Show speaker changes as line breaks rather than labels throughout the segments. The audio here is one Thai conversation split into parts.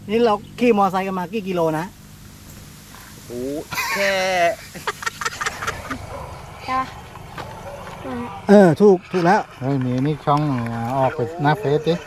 นี่เราขี่มอไซค์กันมากี่กิโลนะ
โอ้แค่
ใช่ปะ
ถูกแล้ว
เฮ้ยมีนี่ช่องออกไปหน้าเฟซดิ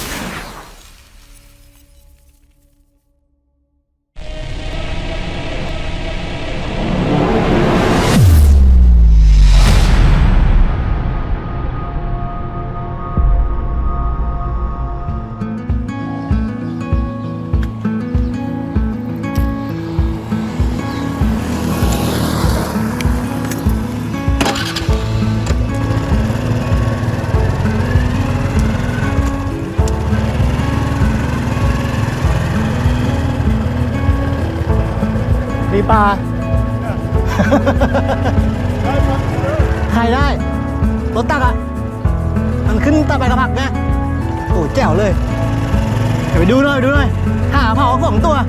มีปลาถ่ายได้รถตักอ่ะมันขึ้นตะไปกระผักไงโอ้แจ๋วเลยเดี๋ยวไปดูหน่อยหาเผา2 ตัว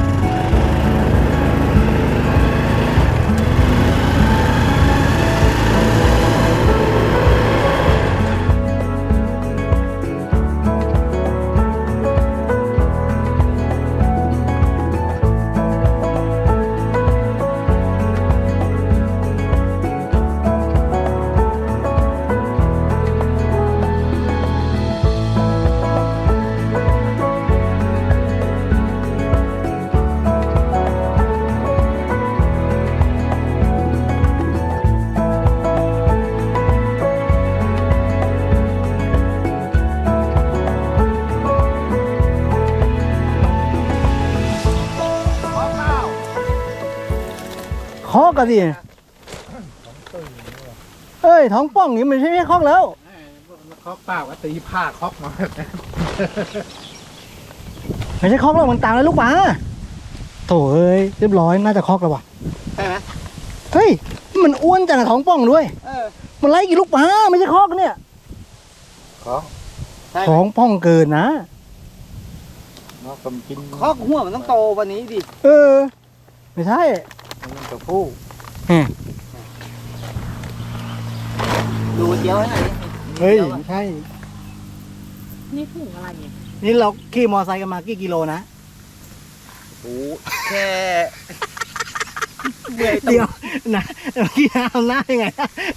คอกกันดิเอ้ยท้องป่องนี่มันไม่ใช่คอกแล้ว
คอกเปล่าก็ตีผ้าคอกมา
ไม่ใช่คอกแล้วมันตามแล้วลูกปลาโถ่เอ้ยเรียบร้อยน่าจะคอกแล้วว่ะ
ใช่ไหม
เฮ้ยมันอ้วนจังอะท้องป่องด้วยมันไล่กี่ลูกปลาไม่ใช่คอกเนี่ย ท้องป่องเกินนะ
คอกหัวมันต้องโตวันนี้ดิ
ไม่ใช่
มันตัวผู้
ดูเจียวให้หน่อย
เฮ้ยไม่ใช่
นี่ถุงอะไรเนี่ย
นี่เราขี่มอไซค์กันมากี่กิโลนะ
โอ้แค่
เดี๋ยวนะเมื่อกี้ทำหน้ายังไง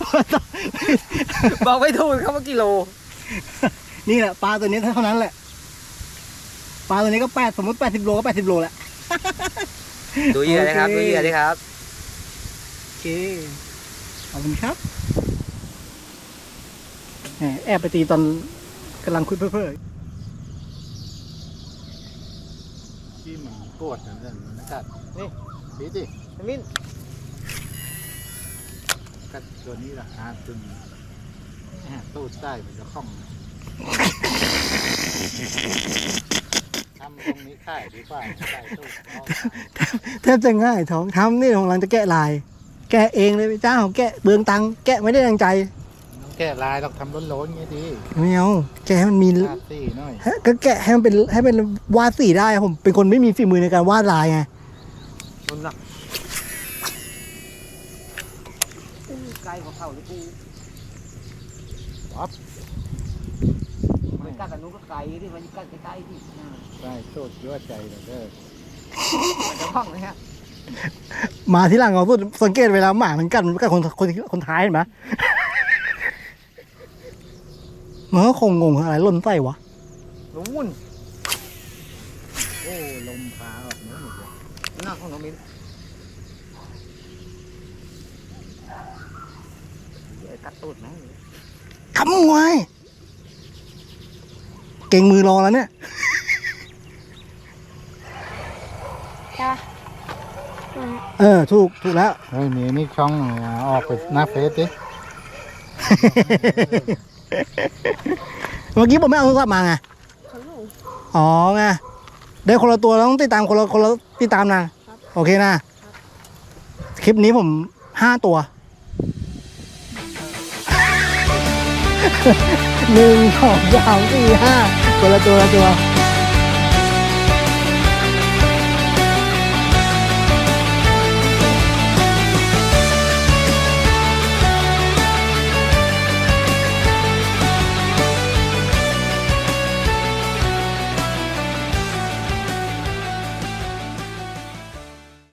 บอกไม่ถูกครับว่ากิโล
นี่แหละปลาตัวนี้เท่านั้นแหละปลาตัวนี้ก็สมมติ80 โลก็80 โลแหละ
ดูเหยื่อเลยครับดูเหยื่อเลยครับ
โอเคขอบคุณครับแอบไปตีตอนกำลังคุยเพ้อ
ที่มันปวดนั่นนะกัดนี่ดีดิ
มิ้น
กัดตัวนี้ละตึงตู้ใต้มันจะคล่องทำตรงนี้ค่ายดีกว่าใต้ตู้
แทบจะง่ายท้องทำนี่ของเราจะแกะลายแกะเองเลยเจ้าแกะเบืองตังแกะไม่ได้ดังใจ
แกะลายเราทำล้นๆงี้ดี
ไม่เอาแกะให้มันมี
สีหน่อย
ก็แกะให้มันเป็นวาดสีได้ผมเป็นคนไม่มีฝีมือในการวาดลายไง
มันหนักไกลกว่าเขาเลยกู
ปั๊บ
ไม่กัดกับนู้นก็ไกลที่มันกัดใกล้ๆที่
ใช่โทษยั่วใจเลย
มันจะพังเลยฮะ
มาที่หลังเราสังเกตเวลาหมามันกัดคนท้ายเห็นไหมมันก็คงงงอะไรล่นไส้วะ
ลุ้น
โอ้ลมพาออกน้ำหมดเลย
หน้าของน้องมิ้นกัดตูดไหม
ทำไงเก่งมือรอแล้วเนี่ย
ใช่ปะ
ถูกแล้ว
เฮ้ยมีนี่ช่องออกไปหน้าเฟซดิ
เมื่อกี้ผมไม่เอาโทรศัพท์มาไงอ๋อไงได้คนละตัวแล้วต้องติดตามคนละติดตามนะโอเคนะคลิปนี้ผม5 ตัว1 2 3 4 5คนละตัว